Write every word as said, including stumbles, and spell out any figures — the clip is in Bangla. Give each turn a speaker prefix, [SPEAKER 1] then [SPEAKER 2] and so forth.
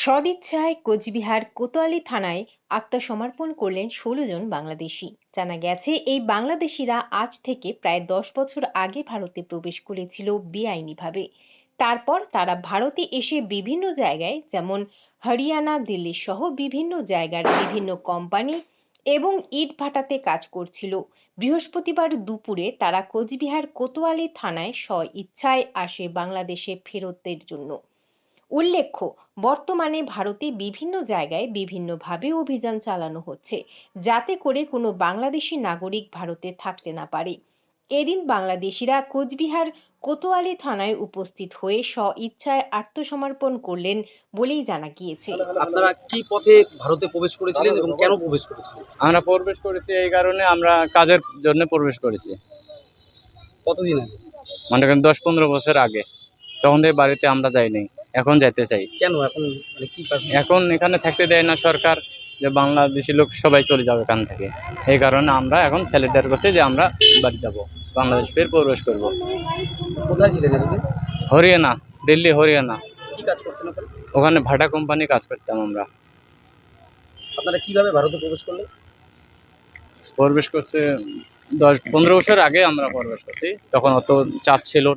[SPEAKER 1] সদিচ্ছায় কোচবিহার কোতোয়ালি থানায় আত্মসমর্পণ করলেন ষোলো জন বাংলাদেশি। জানা গেছে, এই বাংলাদেশিরা আজ থেকে প্রায় দশ বছর আগে ভারতে প্রবেশ করেছিল বেআইনিভাবে। তারপর তারা ভারতে এসে বিভিন্ন জায়গায় যেমন হরিয়ানা, দিল্লি সহ বিভিন্ন জায়গার বিভিন্ন কোম্পানি এবং ইট ভাটাতে কাজ করছিল। বৃহস্পতিবার দুপুরে তারা কোচবিহার কোতোয়ালি থানায় স্ব-ইচ্ছায় আসে বাংলাদেশে ফেরতের জন্য। উল্লেখ্য, বর্তমানে ভারতে বিভিন্ন জায়গায় বিভিন্নভাবে অভিযান চালানো হচ্ছে, যাতে করে কোনো বাংলাদেশি নাগরিক ভারতে থাকতে না পারে। এদিন বাংলাদেশিরা কোচবিহার কোতোয়ালি থানায় উপস্থিত হয়ে স্ব-ইচ্ছায় আত্মসমর্পণ করলেন বলেই জানা গিয়েছে।
[SPEAKER 2] আপনারা কি পথে ভারতে প্রবেশ করেছিলেন এবং কেন প্রবেশ করেছিলেন?
[SPEAKER 3] আমরা প্রবেশ করেছি এই কারণে, আমরা কাজের জন্য প্রবেশ করেছি।
[SPEAKER 2] কতদিন আগে?
[SPEAKER 3] মনে করেন দশ পনেরো বছর আগে। তখন থেকে বাড়িতে আমরা যাইনি, এখন যাইতে চাই।
[SPEAKER 2] কেন এখন মানে কি কারণে?
[SPEAKER 3] এখন এখানে থাকতে দেয় না সরকার, যে বাংলাদেশি লোক সবাই চলে যাবে এখান থেকে। এই কারণে আমরা এখন ছেলেটার কাছে যে আমরা বাড়ি যাব, বাংলাদেশ ফের প্রবেশ করব।
[SPEAKER 2] কোথায় ছিলেন এদিকে?
[SPEAKER 3] হরিয়ানা, দিল্লি হরিয়ানা,
[SPEAKER 2] কি কাজ করতেন ওখানে?
[SPEAKER 3] ওখানে ভাটা কোম্পানি কাজ করতাম আমরা।
[SPEAKER 2] আপনারা কিভাবে ভারতে প্রবেশ করলেন?
[SPEAKER 3] প্রবেশ করছে দশ পনেরো বছর আগে আমরা প্রবেশ করছি, তখন অত চাপ ছিল